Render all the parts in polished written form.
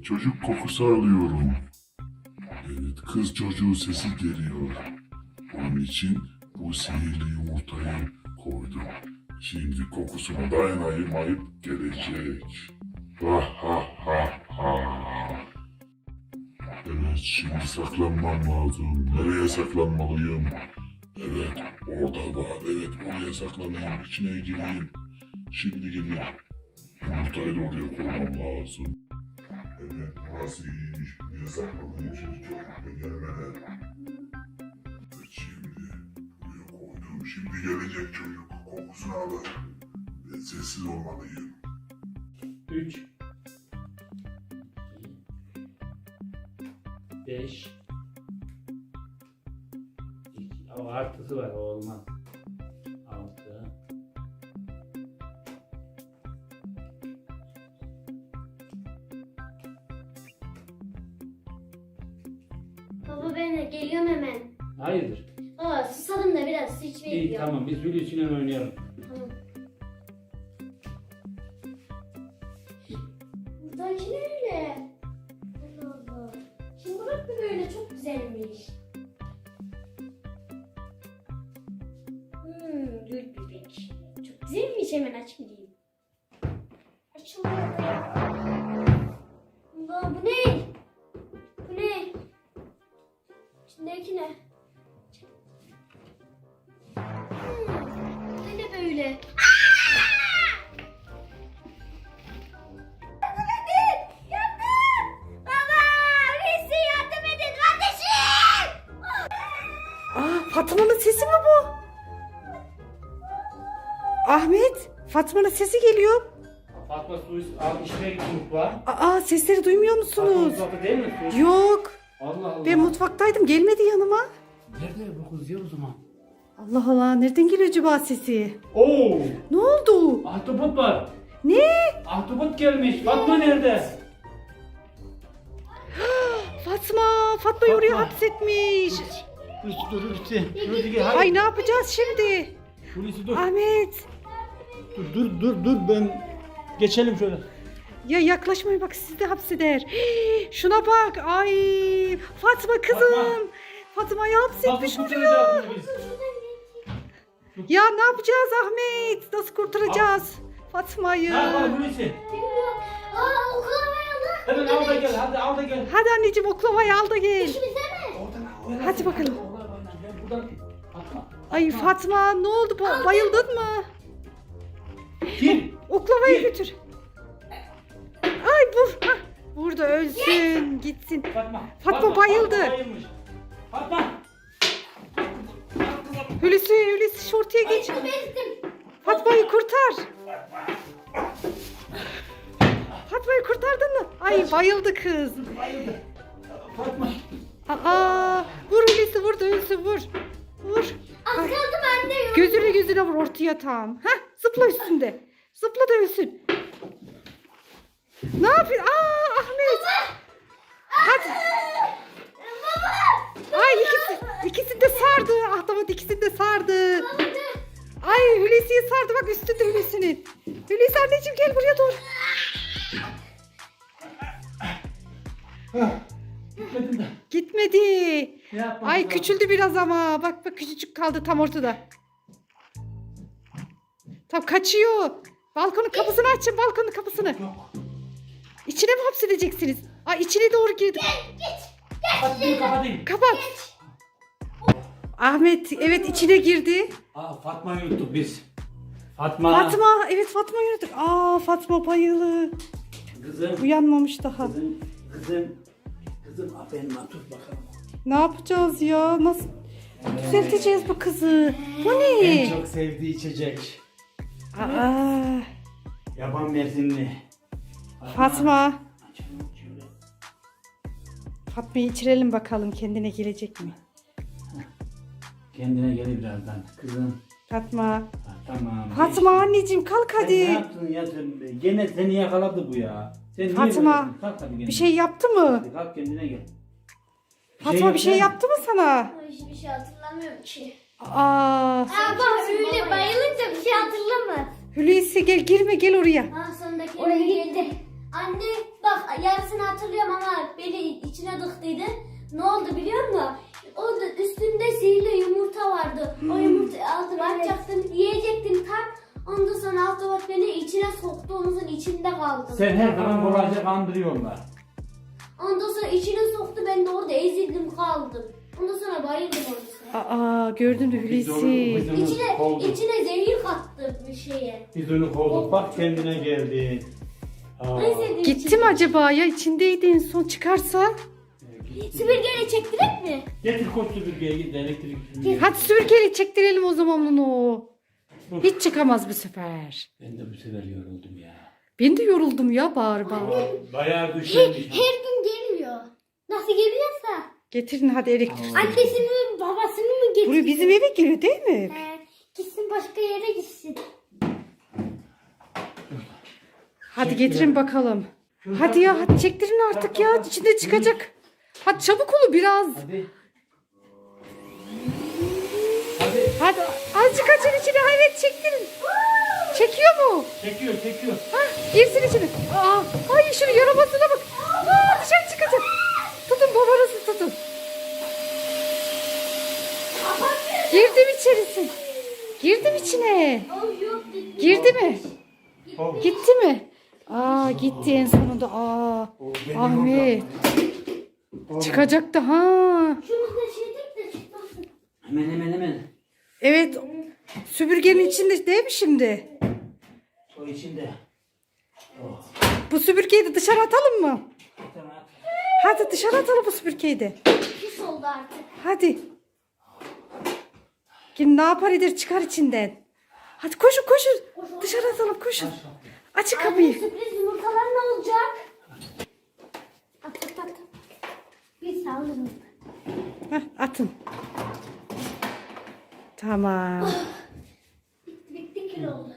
çocuk kokusu alıyorum. Evet, kız çocuğu sesi geliyor. Onun için bu sihirli yumurtayı koydum. Şimdi kokusuna dayanamayıp gelecek. Ha ha ha ha. Evet, şimdi saklanmam lazım. Nereye saklanmalıyım? Evet, orada var. Evet, oraya saklanayım. İçine gireyim. Şimdi gireyim. Yumurtayı da oraya koymam lazım. Evet, burası iyiymiş. Buraya saklanayım şimdi çocukla gelmeden. Evet, şimdi buraya koydum. Şimdi gelecek çocuk. Kokusunu alır. Evet, sessiz olmalıyım. 3 5 O artısı var, o olmaz. 6 Baba ben de geliyorum hemen. Hayırdır? Aa susadım da biraz su içmeye İyi, gidiyorum. tamam, biz Hulusi'yle oynayalım. Tamam. Buradaki ne öyle? Allah Allah. Şimdi bırak bir böyle çok güzelmiş. Gül bebek. Çok güzelmiş, hemen aç gideyim. Açılıyor da ya. Allah bu ne? Bu ne? İçindeki ne? Bu ne böyle? Yardım! Baba! Birisi yardım edin kardeşim! Fatma'nın sesi mi bu? Ahmet, Fatma'nın sesi geliyor. Fatma su al, işine git mutfağa. Sesleri duymuyor Fatma musunuz? mutfakta değil mi? Su. Yok. Allah Allah. Ben mutfaktaydım, gelmedi yanıma. Nerede bu kız ya o zaman? Allah Allah, nereden geliyor acaba sesi? Oo! Ne oldu? Ahtapot var. Ne? Ahtapot gelmiş. Fatma nerede? Fatma'yı oraya Fatma. hapsetmiş. Hulusi gel. Ay ne yapacağız şimdi? Hulusi dur. Ahmet. Dur ben geçelim şöyle. Ya yaklaşmayın bak, sizi de hapseder. Şuna bak. Ay Fatma kızım. Fatma'yı hapsetmiş Fatma oluyor. kurtaracağız biz. Ya ne yapacağız Ahmet? Nasıl kurtaracağız Fatma'yı? Ne yapalım Hulusi? Aa oklavayı alın. Hemen al da gel. Hadi al da gel. Hadi anneciğim oklavayı al da gel. İkimize mi? Oradan al. Hadi bakalım. Ben buradan atma. Ay Fatma ne oldu? Bayıldın mı? Kim? Oklavayı götür. Ay vur. Hah, vur da ölsün gitsin. Fatma bayıldı. Fatma bayılmış. Fatma. Hulusi şortuya geç. Bezdim. Fatma'yı kurtar. Fatma'yı kurtardın mı? Ay bayıldı kız. Bayıldı. Fatma. Vur Hulusi, vur da ölsün, vur. Vur. Az Ay, kaldı bende yok. gözüne vur ortaya tam. Hah, zıpla üstünde. Zıpla da ölsün. Ne yapıyorsun? Ahmet. Hadi. Ay ikisini de sardı. Ahtapot ikisini de sardı. Ay Hulusi'yi sardı, bak üstünde Hulusi'nin. Hulusi anneciğim gel buraya dur. Gitmedin de. Gitmedi. Ne yapmamız Ay lazım? küçüldü biraz ama. Bak küçücük kaldı tam ortada. Tam kaçıyor. Balkonun kapısını açın, balkonun kapısını. Yok. İçine mi hapsedeceksiniz? Ay içine doğru girdim. Kapatayım kapatayım. Kapat. Ahmet evet içine girdi. Fatma'yı unuttuk biz. Fatma. Evet Fatma'yı unuttuk. Fatma bayılı. Kızım. Uyanmamış daha. Kızım aferin lan, tut bakalım. Ne yapacağız ya? Nasıl düzelteceğiz bu kızı? Bu ne? En çok sevdiği içecek. Yaban mersinli. Fatma. Fatma'yı içirelim bakalım, kendine gelecek mi? Kendine gelir birazdan. Kızım. Fatma. Tamam. Fatma anneciğim kalk Sen ne hadi. yaptın ya sen? Gene seni yakaladı bu ya. Sen niye Fatma, böylesin? Kalk hadi kendine. Bir şey yaptı mı? Hadi kalk kendine gel. Fatma bir şey yaptı mı sana? Ay, hiçbir şey hatırlamıyorum ki. Aa, Öyle bayılınca bir şey hatırlamaz. Hulusi gel, girme, gel oraya. Sondaki oraya gitti. Anne bak yarısını hatırlıyorum ama beni içine dıktıydı. Ne oldu biliyor musun? Orada üstünde sihirli yumurta vardı. O yumurtayı aldım, açacaktım, yiyecektim tam. Ondan sonra Ahtapot beni içine soktu, omuzun içinde kaldım. Sen her zaman kolayca kandırıyorlar. Ondan sonra içine soktu, ben de orada ezildim kaldım. Ondan sonra bayıldım orada. Aa gördün mü Hulusi? İçine zehir kattı bir şeye. Biz onu kovduk bak kendine geldi. Aa. En sevdiğim Gitti mi acaba ya? İçindeydi en son çıkarsa? Süpürgeyle çektirek mi? Getir koş süpürgeye git elektrik süpürgeye. Hadi süpürgeyle çektirelim o zaman onu. Hiç çıkamaz bu sefer. Ben de bu sefer yoruldum ya. Ben de yoruldum ya bağır bağır. Bayağı güçlenmiş. Her gün geliyor. Nasıl geliyorsa. Getirin hadi elektrik. Annesini mi babasını mı getiriyor? Buraya bizim eve geliyor değil mi? Gitsin başka yere gitsin. Hadi getirin bakalım. Hadi ya hadi çektirin artık ya. İçinde çıkacak. Hadi çabuk olun biraz. Hadi. Hadi. Hadi azıcık açın içine. Evet çektirin. Çekiyor mu? Çekiyor çekiyor. Hah, girsin içine. Aa, ay şunu yaramazına bak. Aa, dışarı çıkacak. Tutun babanızı tutun. Girdim içerisi. Girdim içine. Girdi mi? Gitti mi? Aa gitti en sonunda. Aa Ahmet. Çıkacaktı ha. Şunu da şeydik de çıkmasın. Hemen. Evet. Süpürgenin içinde değil mi şimdi? O içinde. Bu süpürgeyi de dışarı atalım mı? Tamam. Hadi dışarı atalım bu süpürgeyi de. Pis oldu artık. Hadi. Kim ne yapar eder çıkar içinden. Hadi koşun. Dışarı atalım koşun. Açın Anne kapıyı. sürpriz yumurtalar ne olacak? At. Bir sağlayalım. Heh, atın. Tamam. Bitti kilo oldu.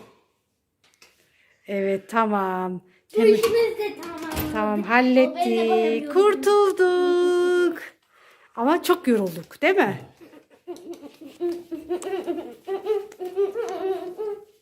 Evet tamam. Bu işimiz de tamam. Tamam Ben de hallettik. bayılıyorum. Kurtulduk. Ama çok yorulduk değil mi?